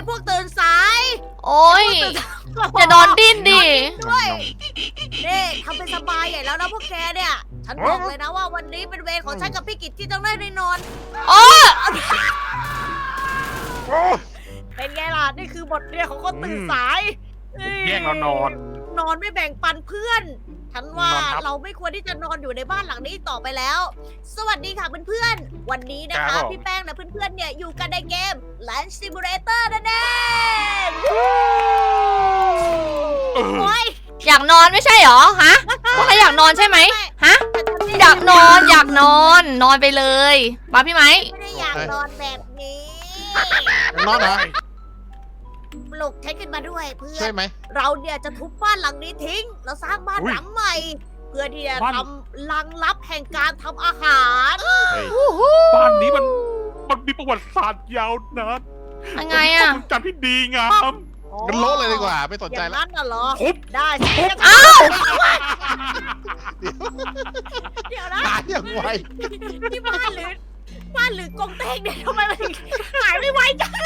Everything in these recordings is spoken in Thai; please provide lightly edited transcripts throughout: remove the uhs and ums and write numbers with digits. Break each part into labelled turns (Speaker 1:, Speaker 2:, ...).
Speaker 1: พวกตื่นสาย
Speaker 2: โอ้ยอย่านอนดิ้นดิ
Speaker 1: ด้วยนี่ทำเป็นสบายใหญ่แล้วนะพวกแกเนี่ย ฉันบอกเลยนะว่าวันนี้เป็นเวรของฉันกับพี่กิจที่ต้องได้นอน
Speaker 2: โอ้
Speaker 1: เป็นไงล่ะนี่คือบทเรียนของคนตื่นสาย
Speaker 3: แย่งเรานอน
Speaker 1: นอนไม่แบ่งปันเพื่อน ฉันว่าน
Speaker 3: อนครับ
Speaker 1: เราไม่ควรที่จะนอนอยู่ในบ้านหลังนี้ต่อไปแล้ว สวัสดีค่ะเพื่อนๆ วันนี้นะ
Speaker 3: ครั
Speaker 1: คะ
Speaker 3: บผม
Speaker 1: พี่แป้งและเพื่อนๆเนี่ยอยู่กันในเกม Land Simulator นั่นเอง โอ้ย
Speaker 2: อยากนอนไม่ใช่เหรอฮะพวกใครอยากนอนใช่ไหมฮะอยากนอนนอนไปเลยมาพี่ไหม
Speaker 1: ไม่ได้อยากนอนแบบนี้
Speaker 4: นอนเหรอ
Speaker 1: ปลุกฉันขึ้นมาด้วยเพื่อ
Speaker 4: ใช่
Speaker 1: น
Speaker 4: ไหม
Speaker 1: เราเนี่ยจะทุบบ้านหลังนี้ทิ้ง แล้วสร้างบ้าน
Speaker 3: อุ๊ย
Speaker 1: หลังใหม่ เพื่อที่จะ
Speaker 3: บ้าน
Speaker 1: ทำลังลับแห่งการทำอาหาร
Speaker 4: เฮ้ย
Speaker 3: บ้านนี้มันมีประวัติศาสตร์ยาวนาน
Speaker 2: ยังไงอะ
Speaker 3: ความจำที่ดีงาม
Speaker 4: กันโละเลยดีกว่าไม่สน
Speaker 1: อ
Speaker 4: ใจ
Speaker 1: ย่าง
Speaker 4: แล้ว
Speaker 1: นั้นน่ะเหรอ
Speaker 3: ทุบ
Speaker 1: ได้สิ
Speaker 2: อ้าว
Speaker 1: เดี๋ยวนะ
Speaker 4: หายอย่างไว
Speaker 1: ที่บ้านหรือกงเต็กเนี่ยทำไมมันถึงหายไม่ไวจัง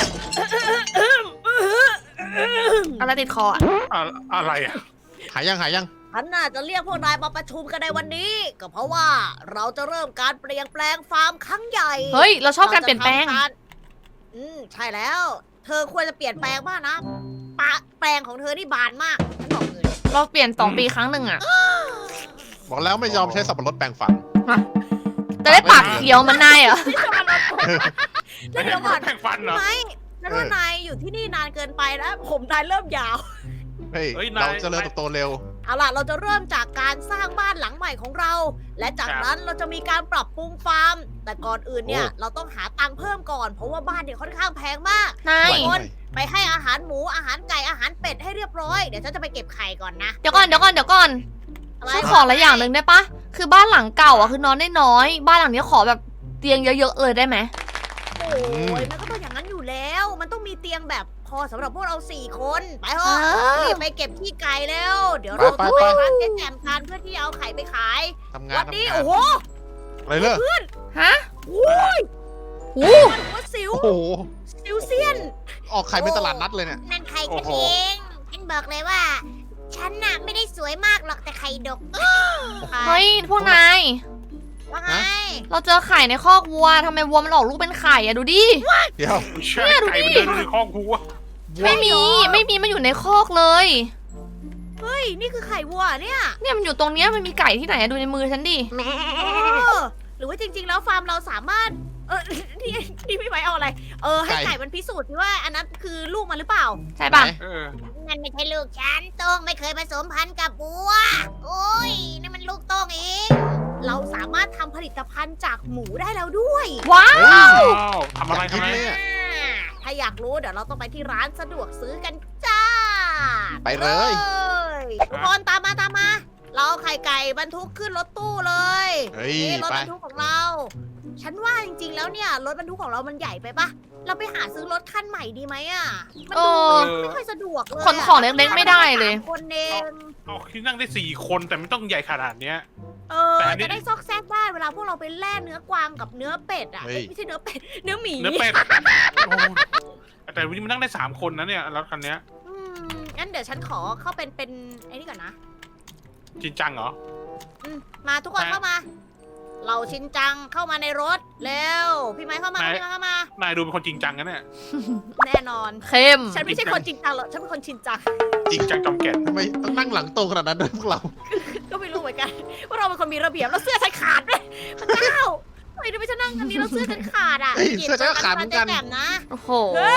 Speaker 2: อะไรติดคออะ
Speaker 3: อะไรอ่ะ
Speaker 4: หายยัง
Speaker 1: ฉันน่าจะเรียกพวกนายมาประชุมกันในวันนี้ ก็เพราะว่าเราจะเริ่มการเปลี่ยนแปลงฟาร์มครั้งใหญ่
Speaker 2: เฮ้ยเราชอบการเปลี่ยนแปลง
Speaker 1: ราจะทำารใช่แล้ว เธอควรจะเปลี่ยนแปลงมากนะแปลงของเธอนี่บานมากฉันบอกเลย
Speaker 2: เราเปลี่ยน2 ปีครั้งหนึ่งอะ
Speaker 4: บอกแล้วไม่ยอมใช้สับปะรดแปรงฟัน
Speaker 2: จะได้ปากเขียวเหมันนายเหรอ
Speaker 1: แล้วเดี๋ยวก่อน
Speaker 3: แข่งฟันเหรอ
Speaker 1: ไม่นั่นว่านายอยู่ที่นี่นานเกินไปแล้วผมนายเริ่มยาว
Speaker 4: เฮ้ย
Speaker 3: เฮ้ยนาย
Speaker 4: เราเจริญเติบโตเร็ว
Speaker 1: เอาล่ะ เราจะเริ่มจากการสร้างบ้านหลังใหม่ของเรา และจากนั้นเราจะมีการปรับปรุงฟาร์ม แต่ก่อนอื่นเนี่ย
Speaker 4: โอ้
Speaker 1: เราต้องหาตังค์เพิ่มก่อน เพราะว่าบ้านเนี่ยค่อนข้างแพงมาก
Speaker 2: นาย
Speaker 4: ไหว
Speaker 1: คน ไปให้อาหารหมู อาหารไก่ อาหารเป็ดให้เรียบร้อย เดี๋ยวฉันจะไปเก็บไข่ก่อนนะ
Speaker 2: เดี๋ยวก่อน
Speaker 1: อะไร
Speaker 2: ฉันขอละอย่างหนึ่งได้ปะคือบ้านหลังเก่าอะคือนอนได้น้อย บ้านหลังนี้ขอแบบเตียงเยอะๆเลยได้ไหม
Speaker 1: โอ้ยมันก็ต้องอย่างนั้นอยู่แล้ว มันต้องมีเตียงแบบพอสำหรับพวกเรา4 คน ไปเถอะรีบไปเก็บขี้ไก่แล้ว เดี๋ยวเราต้องไปร้านเจ๊แจ่มกันเพื่อที่เอาไข่ไปขาย
Speaker 4: ทำงาน
Speaker 1: วันนี้
Speaker 4: ทำงาน
Speaker 1: โอ้โห
Speaker 4: อะไรเลิก
Speaker 2: ฮะ
Speaker 1: โอ้ย
Speaker 2: หู
Speaker 1: มันหัวสิว
Speaker 4: โอ้โห
Speaker 1: สิวเซียน
Speaker 4: ออกไข่เป็นตลาดนัดเลยเนี่ย
Speaker 1: นั่นไข่
Speaker 3: โอ้
Speaker 1: กัน
Speaker 3: โห
Speaker 1: เองฉันบอกเลยว่า ฉันน่ะไม่ได้สวยมากหรอกแต่ไข่ดก
Speaker 2: เฮ้ยพวกนาย
Speaker 1: ว่าไง
Speaker 2: เราเจอไข่ในคอกวัวทำไมวัวมันออกลูกเป็นไข่อะดูดิ
Speaker 4: เดี๋ยว
Speaker 3: ใช่
Speaker 2: เนี่ยดู
Speaker 3: ไก่
Speaker 2: ดิ
Speaker 3: มันเดินในคอกหัว
Speaker 2: ไม่มีมันอยู่ในคอกเลย
Speaker 1: เฮ้ยนี่คือไข่วัวเนี่ย
Speaker 2: เนี่ยมันอยู่ตรงเนี้ยมันมีไก่ที่ไหนอะดูในมือฉันดิ
Speaker 1: หรือว่าจริงๆแล้วฟาร์มเราสามารถนี่พี่ไว้เอาอะไรให้ไก่มันพิสูจน์ว่าอันนั้นคือลูกมันหรือเปล่า
Speaker 2: ใช่ปะ
Speaker 4: ไหน
Speaker 1: นั่นไม่ใช่ลูกฉันโต้งไม่เคยผสมพันธุ์กับวัวโอ้ยนี่มันลูกโต้งเองเราสามารถทำผลิตภัณฑ์จากหมูได้แล้วด้วย
Speaker 2: ว้า
Speaker 4: เฮ้ย
Speaker 2: ว
Speaker 3: ว้าวทำอะไร
Speaker 4: กิน
Speaker 3: ทำอะไร
Speaker 4: เลยอะ
Speaker 1: ถ้าอยากรู้เดี๋ยวเราต้องไปที่ร้านสะดวกซื้อกันจ้า
Speaker 4: ไปเลย
Speaker 1: ทุกคนตามมา เราเอาไข่ไก่บรรทุกขึ้นรถตู้เลย
Speaker 4: เฮ้ย
Speaker 1: นี่รถ
Speaker 4: ไป
Speaker 1: บรรทุกของเรา ฉันว่าจริงๆแล้วเนี่ยรถบรรทุกของเรามันใหญ่ไปปะเราไปหาซื้อรถคันใหม่ดีไหมอ่ะมันดูไม่ค่อยสะดวกเลย
Speaker 2: ขนของเล็กๆไม่ได้เลย
Speaker 1: 3 คนเอง
Speaker 3: เอาที่นั่งได้4 คนแต่ไม่ต้องใหญ่ขนาดเนี้ย แต่อันนี้
Speaker 1: จะได้ซอกแซกได้เวลาพวกเราไปแล่เนื้อกวางกับเนื้อเป็ดอ่ะ
Speaker 4: เฮ้ย
Speaker 1: ไม่ใช่เนื้อเป็ดเนื้อหมี
Speaker 3: เนื้อเป็ดโอ้แต่วันนี้มันนั่งได้3 คนนะเนี่ยรถคันเนี้ย
Speaker 1: อืมงั้นเดี๋ยวฉันขอเข้าเป็นไอ้นี่ก่อนนะ
Speaker 3: จริงจังเหรอ
Speaker 1: มาทุกคนเข้ามา เราชินจังเข้ามาในรถเร็วพี่ไม้เข้ามา
Speaker 3: ไหน
Speaker 1: พี่ไม้เข้ามา
Speaker 3: นายดูเป็นคนจริงจังนะเนี่ย
Speaker 1: แน่นอน
Speaker 2: เข้ม
Speaker 1: ฉันไม่ใช่คนจริงจังหรอกฉันเป็นคนชินจัง
Speaker 3: จริงจังจอมแก่น
Speaker 4: ทำไมต้องนั่งหลังตรงขนาดนั้นด้วยพวกเรา
Speaker 1: ก็ไม่รู้เหมือนกันว่าเราเป็นคนมีระเบียบแล้วเสื้อฉันขาดด้วยพระเจ้าทำไมถึงไม่ฉันนั่งอันนี้แล้วเสื้อฉันขาดอ่ะ
Speaker 4: เฮ้ยเสื้อฉันก็ขาดเหมือนกัน
Speaker 1: จ๊แจ่มนะ
Speaker 2: โอ้โห
Speaker 1: เฮ้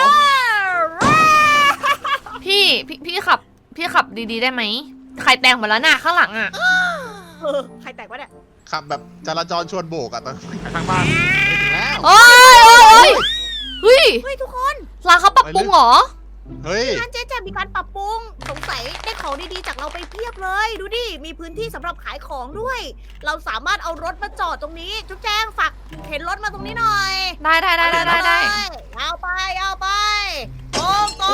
Speaker 1: ย
Speaker 2: พี่ขับดีๆได้ไหมไข่แตงหมดแล้วน่ะข้างหลังอะ
Speaker 1: ใครแตกวะเนี่ย
Speaker 4: ขับแบบจราจรชวนโบกอะตอนนี้
Speaker 3: ไปทางบ้าน
Speaker 4: ถึงแล้ว
Speaker 2: โอ้ยเฮ้ย
Speaker 1: เฮ้ยทุกคน
Speaker 2: ร้านเขาปรับปรุงเหรอ
Speaker 4: เฮ้ย
Speaker 1: ร้านเจ๊แจ่มมีการปรับปรุงสงสัยได้ของดีๆจากเราไปเพียบเลย ดูดิมีพื้นที่สำหรับขายของด้วย เราสามารถเอารถมาจอดตรงนี้ จุ๊บแจ้งฝากเข็นรถมาตรงนี้หน่อย
Speaker 2: ได้
Speaker 1: เอาไปตรง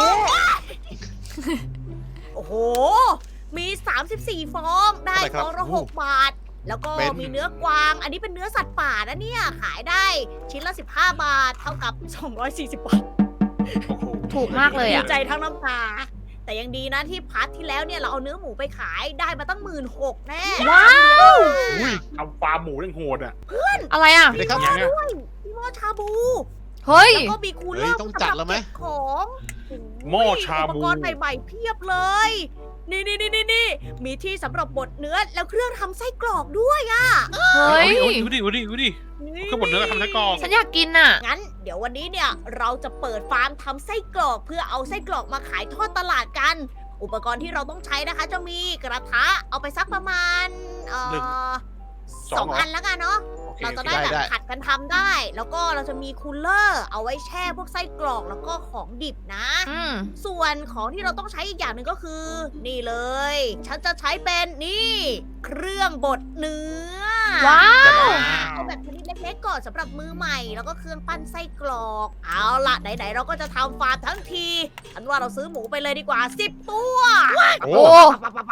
Speaker 1: โอ้โห มี 34 ฟอง ได้
Speaker 4: เท่าไหร่ค
Speaker 1: ฟ
Speaker 4: รับ
Speaker 1: องละ
Speaker 4: โอ้โห
Speaker 1: 6 บาท แล้วก็
Speaker 4: เป็น
Speaker 1: มีเนื้อกวาง อันนี้เป็นเนื้อสัตว์ป่านะเนี่ย ขายได้ชิ้นละ 15 บาท เท่ากับ 240 บาท
Speaker 3: โอ้โห
Speaker 2: ถูกมากเลย
Speaker 1: ดี
Speaker 2: อ่ะ
Speaker 1: ใจทั้งน้ำตา แต่ยังดีนะที่พาร์ทที่แล้วเนี่ยเราเอาเนื้อหมูไปขายได้มาตั้ง16,000แน่
Speaker 2: ว้าว
Speaker 4: อุ้ย
Speaker 3: ทำฟาร์มหมูยังโหดอ่ะ
Speaker 2: อะไรอ่ะ
Speaker 4: เดี๋ยวครับ
Speaker 3: อย่างเงี้ย
Speaker 1: มีหม้อชาบู
Speaker 2: เฮ้ย
Speaker 1: แล้วก็มีคูลเลอ
Speaker 4: เฮ้ย
Speaker 1: ร์
Speaker 4: ต้องจัดแล้วไหม
Speaker 1: สำรับเก็บของ
Speaker 3: หม้อชาบู
Speaker 1: อุปกรณ์ใหม่ๆเพียบเลย นี่มีที่สำหรับบดเนื้อแล้วเครื่องทำไส้กรอกด้วยอะ
Speaker 2: เฮ้ย
Speaker 3: ดูดิก็หมดเนื้อทำไส้กรอก
Speaker 2: ฉันอยากกินอ่ะ
Speaker 1: งั้นเดี๋ยววันนี้เนี่ยเราจะเปิดฟาร์มทำไส้กรอกเพื่อเอาไส้กรอกมาขายทอดตลาดกัน อุปกรณ์ที่เราต้องใช้นะคะ จะมีกระทะเอาไปสักประมาณสองอันแล้วกันเนาะ เราจะได้แบบผัดกันทำได้ แล้วก็เราจะมีคูลเลอร์เอาไว้แช่พวกไส้กรอกแล้วก็ของดิบนะ
Speaker 2: อืม
Speaker 1: ส่วนของที่เราต้องใช้อีกอย่างหนึ่งก็คือ นี่เลย ฉันจะใช้เป็นนี่ เครื่องบดเนื้อ
Speaker 2: ว้าว
Speaker 1: เอาแบบชนิดเล็กๆก่อนสำหรับมือใหม่ แล้วก็เครื่องปั้นไส้กรอก เอาล่ะไหนๆเราก็จะทำฟาร์มทั้งทีฉันว่าเราซื้อหมูไปเลยดีกว่า10 ตัว
Speaker 4: โอ้
Speaker 2: โอ้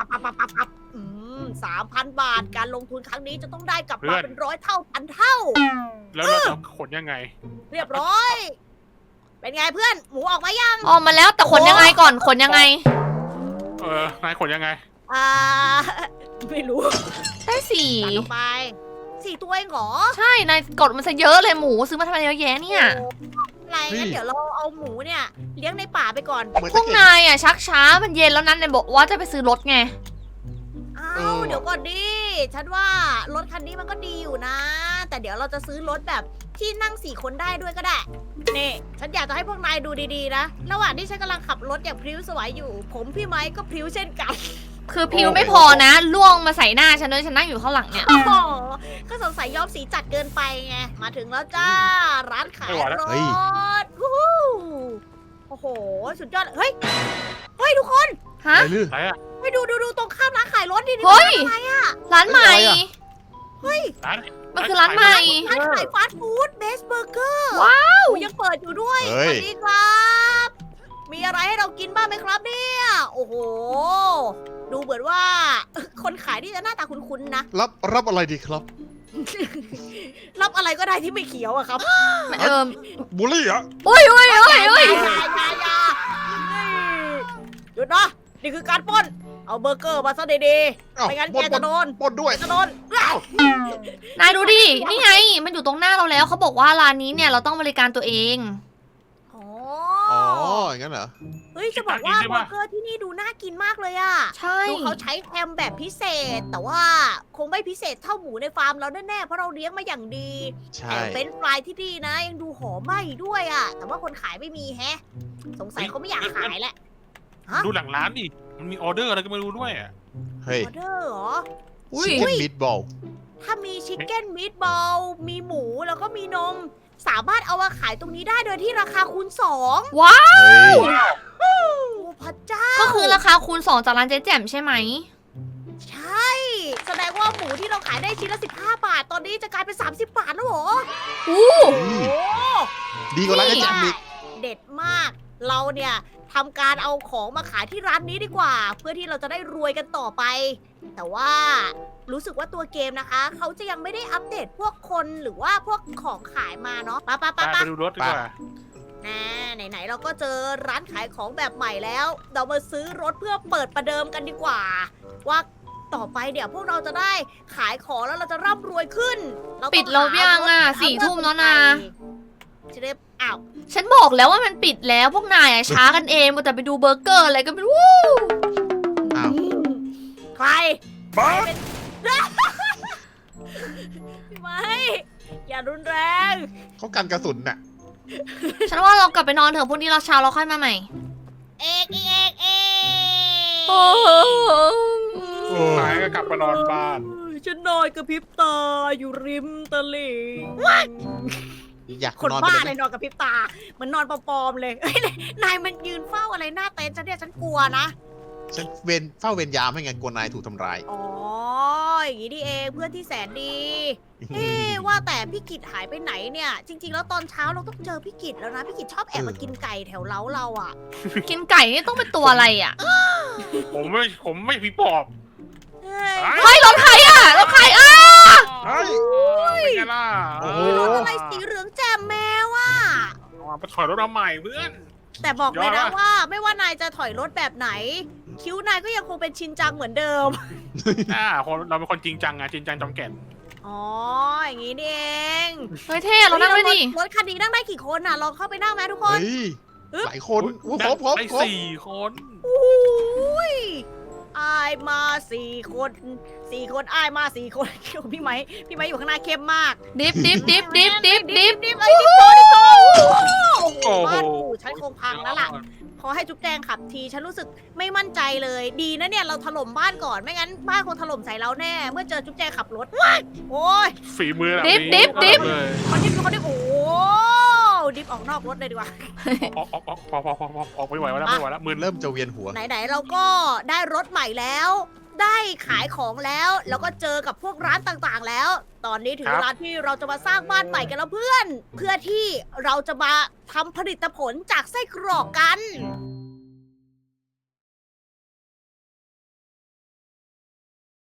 Speaker 1: 3,000 บาทการลงทุนครั้งนี้จะต้องได้กลับมาเป็น100 เท่าพันเท่า
Speaker 3: แล้วเราจะขนยังไง
Speaker 1: เรียบร้อย เป็นไงเพื่อนหมูออกมายัง
Speaker 2: ออกมาแล้วแต่ขนยังไงก่อนขนยังไง
Speaker 3: นายขนยังไง
Speaker 1: อ่า ไม่รู้
Speaker 2: ได้สี่
Speaker 1: ตัดลงไป4 ตัวเองเหรอ
Speaker 2: ใช่นายกดมันซะเยอะเลยหมูซื้อมาทำไมเยอะแยะเนี่ย
Speaker 1: โอ้อะไรงั้นเดี๋ยวเราเอาหมูเนี่ย เลี้ยงในป่าไปก่อน
Speaker 4: เหมือน
Speaker 2: พ
Speaker 4: จะ
Speaker 2: วก
Speaker 4: เข็น
Speaker 2: นายอ่ะชักช้ามันเย็นแล้วนั้นนายบอกว่าจะไปซื้อรถไง
Speaker 1: อ้า
Speaker 4: เอ
Speaker 1: ว
Speaker 4: อ
Speaker 1: เดี๋ยวก่อนดิ ฉันว่ารถคันนี้มันก็ดีอยู่นะ แต่เดี๋ยวเราจะซื้อรถแบบที่นั่ง4 คนได้ด้วยก็ได้ นี่ ฉันอยากจะให้พวกนายดูดีๆนะ ระหว่างที่ฉันกำลังขับรถอย่างพริ้วสวยอยู่ ผมพี่ไม้ก็พริ้วเช่นกัน
Speaker 2: คือพิวไม่พอนะล่วงมาใส่หน้าฉันเลยฉันนั่งอยู่ข้างหลังเนี่ย
Speaker 1: โอ้โหก็สงสัยย้อมสีจัดเกินไปไง มาถึงแล้วจ้า ร้านขายรถวู้ฮู้โอ้โห สุดยอด เฮ้ย เฮ้ยทุกคน
Speaker 2: ฮะ
Speaker 4: ไปลือ
Speaker 3: ไหนอะ
Speaker 1: ไปดูตรงข้ามร้านขายรถดิ
Speaker 2: เฮ้ย
Speaker 1: อะไรอะ
Speaker 2: ร้านใหม่
Speaker 3: ร้าน
Speaker 2: มันคือร้านใหม่
Speaker 1: ร้านขายฟาสต์ฟู้ดเบสเบอร์เกอร์
Speaker 2: ว้าว
Speaker 1: ยังเปิดอยู่ด้วย
Speaker 4: เฮ้
Speaker 1: ส
Speaker 4: ย
Speaker 1: วัสดีครับ มีอะไรให้เรากินบ้างไหมครับเนี่ย โอ้โห ดูเหมือนว่า คนขายนี่จะหน้าตาคุ้นๆนะ
Speaker 4: รับอะไรดีครับ
Speaker 1: รับอะไรก็ได้ที่ไม่เขียวอะครับ
Speaker 4: บุหรี่เหรอ
Speaker 2: อุ้ย
Speaker 1: อย่าหยุดนะนี่คือการปล้น เอาเบอร์เกอร์มาซะดี
Speaker 4: อ้าว
Speaker 1: ไม่งั้น
Speaker 4: ปล้
Speaker 1: แกจะโดน
Speaker 4: ปล้นด้วย
Speaker 1: จะโดน
Speaker 2: นายดูดิ นี่ไง มันอยู่ตรงหน้าเราแล้วเขาบอกว่าร้านนี้เนี่ยเราต้องบริการตัวเอง
Speaker 1: อ๋อ
Speaker 4: อ๋อ อย่างนั้นเหรอ
Speaker 1: เฮ้ย จะบอกว่าเบอร์เกอร์ที่นี่ดูน่ากินมากเลยอะ
Speaker 2: ใช่
Speaker 1: ดูเขาใช้แฮมแบบพิเศษ แต่ว่าคงไม่พิเศษเท่าหมูในฟาร์มเราแน่ๆ เพราะเราเลี้ยงมาอย่างดี
Speaker 4: ใช่
Speaker 1: แต่เป็นฟรายที่ดีนะ ยังดูหอมไหม้ด้วยอะแต่ว่าคนขายไม่มีแฮะ สงสัยเขาไม่อยากขายแหละ ฮะ
Speaker 3: ดูหลังร้านดิมันมีออเดอร์อะไรก็ไม่รู้ด้วยอะ
Speaker 4: เฮ้ย
Speaker 1: ออเดอร์เหรอ
Speaker 2: อุ้ย
Speaker 4: ชิคเก้นมิตบอล
Speaker 1: ถ้ามีชิคเก้นมีทบอลมีหมูแล้วก็มีนม สามารถเอามาขายตรงนี้ได้โดยที่ราคาคูณ2
Speaker 2: ว้าว
Speaker 4: เฮ้ย
Speaker 1: โอ้พระเจ้า
Speaker 2: ก็คือราคาคูณ2จากร้านเจ๊แจ่มใช่ไหม
Speaker 1: ใช่ แสดงว่าหมูที่เราขายได้ชิ้นละ15 บาท ตอนนี้จะกลายเป็น30 บาทแล้วเหรอ
Speaker 2: อู้
Speaker 1: โอ้โห
Speaker 4: ดีกว่าร้านกระจังอีก
Speaker 1: เด็ดมาก เราเนี่ยทำการเอาของมาขายที่ร้านนี้ดีกว่า เพื่อที่เราจะได้รวยกันต่อไป แต่ว่ารู้สึกว่าตัวเกมนะคะ เขาจะยังไม่ได้อัปเดตพวกคนหรือว่าพวกของขายมาเนาะปะ
Speaker 3: ไปดูรถดีกว่า
Speaker 1: นะไหนๆเราก็เจอร้านขายของแบบใหม่แล้ว เรามาซื้อรถเพื่อเปิดประเดิมกันดีกว่า ว่าต่อไปเดี๋ยวพวกเราจะได้ขายของแล้วเราจะร่ำรวยขึ้นเราต้อง
Speaker 2: ปิดแล้วยังอ่ะ
Speaker 1: หารถ
Speaker 2: 4 ทุ่มแล้วนะ
Speaker 1: จะได้อ้าว
Speaker 2: ฉันบอกแล้วว่ามันปิดแล้วพวกนายอ่ะช้ากันเองมัวแต่ไปดูเบอร์เกอร์อะไรก็ไม่รู้
Speaker 4: อ้าว
Speaker 1: ใคร
Speaker 3: บ้า
Speaker 1: ไม่อย่ารุนแรง
Speaker 4: เขากันกระสุนน่ะ
Speaker 2: ฉันว่าเรากลับไปนอนเถอะพรุ่งนี้เราเช้าเราค่อยมาใหม่
Speaker 1: เอก
Speaker 3: หายก็กลับมานอนบ้าน
Speaker 1: ฉันนอนกระพริบตาอยู่ริมตลิ่ง
Speaker 4: อยาก
Speaker 1: คน
Speaker 4: นอน
Speaker 1: บ้า
Speaker 4: ไป
Speaker 1: เล
Speaker 4: เลย ย
Speaker 1: นอนกระพริบตาเหมือนนอนปลอมๆเลยเอ้ยนายมันยืนเฝ้าอะไรหน้าเต็นท์ฉันเนี่ยฉันกลัวนะ
Speaker 4: ฉันเฝ้าเวรยามให้ไงกลัวนายถูกทำร้าย
Speaker 1: อ๋ออย่างนี้นี่เองเพื่อนที่แสนดี เอ๊ะว่าแต่พี่กิจหายไปไหนเนี่ย จริง ๆ แล้วตอนเช้าเราต้องเจอพี่กิจแล้วนะพี่กิจชอบแอบมากินไก่แถวเล้าเราอ่ะ
Speaker 2: กินไก่นี่ต้องเป็นตัวอะไรอ่ะ
Speaker 3: ผมไม่ผีปอบ
Speaker 1: เฮ้ย
Speaker 2: เฮ้ยรถใครอ่ะรถใครอ่ะ
Speaker 4: เฮ้ย
Speaker 3: เป็นไงล่ะ
Speaker 4: โอ้โห
Speaker 1: รถอะไรสีเหลืองแจ่มแมวอ่ะ
Speaker 3: ไปถอยรถมาใหม่เพื่อน
Speaker 1: โอเคแต่บอกเลยนะว่าไม่ว่านายจะถอยรถแบบไหน คิ้วนายก็ยังคงเป็นชินจังเหมือนเดิม
Speaker 3: เราเป็นคนจริงจังอะจริงจังจอมแก่น
Speaker 1: อ๋อ อย่างนี้นี่เอง
Speaker 2: เฮ้ยเท่เรานั่งด้วยดิ
Speaker 1: รถคันนี้นั่งได้กี่คนน่ะ ลองเข้าไปนั่งไหมทุกคน
Speaker 4: เฮ้ยหลายคนโอ้โหครบ
Speaker 3: ได้
Speaker 4: ครบ
Speaker 3: 4 คน
Speaker 1: อุ้ยอายมา4 คนอายมา4 คนพี่ไม้อยู่ข้างหน้าเข้มมาก
Speaker 2: ดิฟดิฟดิฟดิฟดิฟดิฟ
Speaker 1: ดิฟโตโอ้โหบ้านกูฉันคงพังแล้วล่ะ พอให้จุ๊บแจงขับทีฉันรู้สึกไม่มั่นใจเลย ดีนะเนี่ยเราถล่มบ้านก่อนไม่งั้นบ้านคงถล่มใส่เราแน่ เมื่อเจอจุ๊บแจงขับรถโอ้ย
Speaker 3: ฝีมือแบบ
Speaker 2: ดิ
Speaker 3: นี้
Speaker 2: ฟดิฟ
Speaker 3: เลย
Speaker 1: เขาดิฟโอ้ดิฟออกนอกรถเลยดีกว่า
Speaker 3: ออกไม่ไหวแล้วไม่ไหวแล้วมือ
Speaker 4: เริ่มจะเวียนหัว
Speaker 1: ไหนๆเราก็ได้รถใหม่แล้ว ได้ขายของแล้ว แล้วก็เจอกับพวกร้านต่างๆแล้ว ตอนนี้ถึงเวลาที่เราจะมาสร้างบ้านใหม่กันแล้วเพื่อน เพื่อที่เราจะมาทำผลิตผลจากไส้กรอกกัน